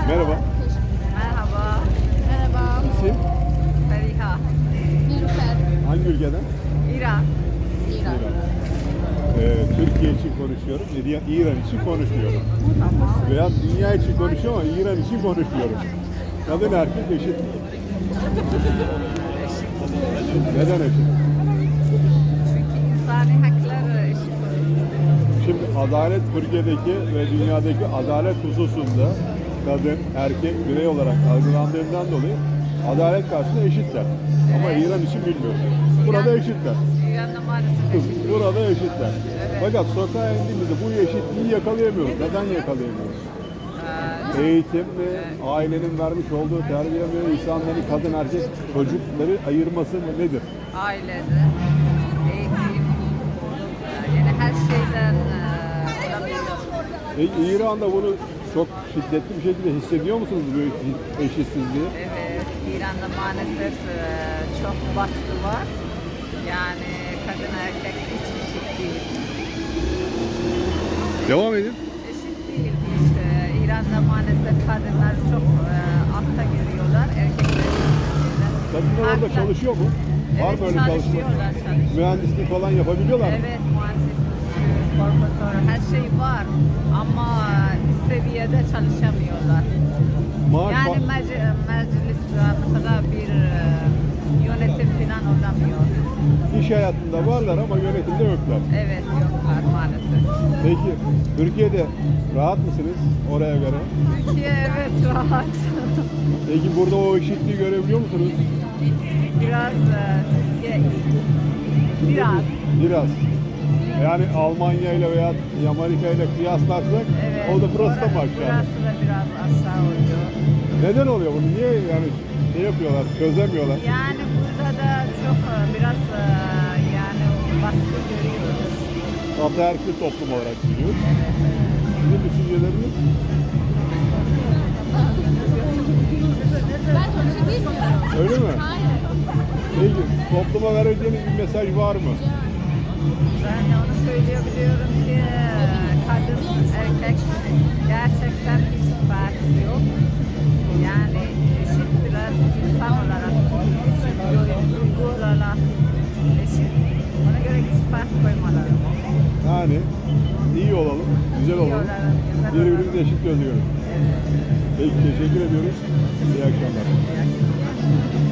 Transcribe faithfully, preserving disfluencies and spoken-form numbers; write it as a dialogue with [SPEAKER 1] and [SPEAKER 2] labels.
[SPEAKER 1] Merhaba.
[SPEAKER 2] Merhaba. Merhaba.
[SPEAKER 1] İsim?
[SPEAKER 2] Feriha.
[SPEAKER 3] Nilüfer.
[SPEAKER 1] Hangi ülkeden?
[SPEAKER 2] İran.
[SPEAKER 3] İran.
[SPEAKER 1] Ee, Türkiye için konuşuyorum, İran İran için konuşuyorum.
[SPEAKER 2] Tamam.
[SPEAKER 1] Veya dünya için konuşuyorum ama İran için konuşuyorum. Kadın erkek eşit. Neden eşit?
[SPEAKER 2] Çünkü insani hakları eşit.
[SPEAKER 1] Şimdi adalet Türkiye'deki ve dünyadaki adalet hususunda kadın, erkek birey olarak algılandığından dolayı adalet karşısında eşitler. Ama İran için bilmiyorum. Burada eşitler.
[SPEAKER 2] İran'da maalesef eşit.
[SPEAKER 1] Burada eşitler.
[SPEAKER 2] Evet.
[SPEAKER 1] Fakat sokağa indiğimizde bu eşitliği yakalayamıyoruz. Neden yakalayamıyoruz?
[SPEAKER 2] Ee,
[SPEAKER 1] Eğitim ve ailenin vermiş olduğu terbiye ve insanların kadın erkek çocukları ayırması mı nedir?
[SPEAKER 2] ailede, eğitim, yani her şeyden e, olabilir.
[SPEAKER 1] E, İran'da bunu çok şiddetli bir şekilde hissediyor musunuz bu eşitsizliği?
[SPEAKER 2] Evet, İran'da maalesef e, çok baskı var. Yani kadın erkek hiç eşit değil.
[SPEAKER 1] Devam edin.
[SPEAKER 2] Eşit değil işte. İran'da maalesef kadınlar çok e, altta giriyorlar, erkekler üstündeler.
[SPEAKER 1] Kadınlar orada
[SPEAKER 2] Haklı.
[SPEAKER 1] çalışıyor mu? Var
[SPEAKER 2] Evet,
[SPEAKER 1] mı öyle çalışma?
[SPEAKER 2] çalışıyorlar, çalışıyorlar.
[SPEAKER 1] Mühendislik falan yapabiliyorlar mı?
[SPEAKER 2] Evet, mühendislik, profesör, her şey var ama bir seviyede çalışamıyorlar.
[SPEAKER 1] Maaş
[SPEAKER 2] Yani
[SPEAKER 1] fa-
[SPEAKER 2] mec- meclis mesela bir e, yönetim falan olamıyor.
[SPEAKER 1] iş hayatında varlar ama yönetimde yoklar.
[SPEAKER 2] Evet, yoklar maalesef.
[SPEAKER 1] Peki Türkiye'de rahat mısınız oraya göre?
[SPEAKER 2] Türkiye evet rahat.
[SPEAKER 1] Peki burada o eşitliği görebiliyor musunuz?
[SPEAKER 2] Biraz e, Türkiye iyi. Biraz.
[SPEAKER 1] Biraz. Yani Almanya ile veya Amerika ile kıyaslarsak
[SPEAKER 2] Evet.
[SPEAKER 1] o da burası da
[SPEAKER 2] ora-
[SPEAKER 1] mı aşağı?
[SPEAKER 2] Burası da biraz aşağı oluyor.
[SPEAKER 1] Neden oluyor bunu? Niye yani şey yapıyorlar, çözemiyorlar?
[SPEAKER 2] Yani burada da çok e, biraz e, yani baskı görüyoruz.
[SPEAKER 1] Ataerkil toplum olarak biliyoruz.
[SPEAKER 2] Evet, evet.
[SPEAKER 1] Sizin düşünceleriniz?
[SPEAKER 3] Ben Türkçe bilmiyorum.
[SPEAKER 1] Öyle mi?
[SPEAKER 3] Hayır.
[SPEAKER 1] Peki topluma vereceğiniz bir mesaj var mı?
[SPEAKER 2] Ben de onu söyleyebiliyorum ki e, kadın erkek gerçekten hiç fark yok. Yani eşittiler insan olarak, eşit duygu olarak eşit. Ona göre hiç fark koymaları.
[SPEAKER 1] Yani iyi olalım, güzel
[SPEAKER 2] İyi
[SPEAKER 1] olalım.
[SPEAKER 2] olalım, güzel
[SPEAKER 1] Birbirimizi
[SPEAKER 2] olalım.
[SPEAKER 1] eşit görüyoruz.
[SPEAKER 2] Evet.
[SPEAKER 1] Peki teşekkür ediyoruz. İyi akşamlar.
[SPEAKER 2] İyi akşamlar.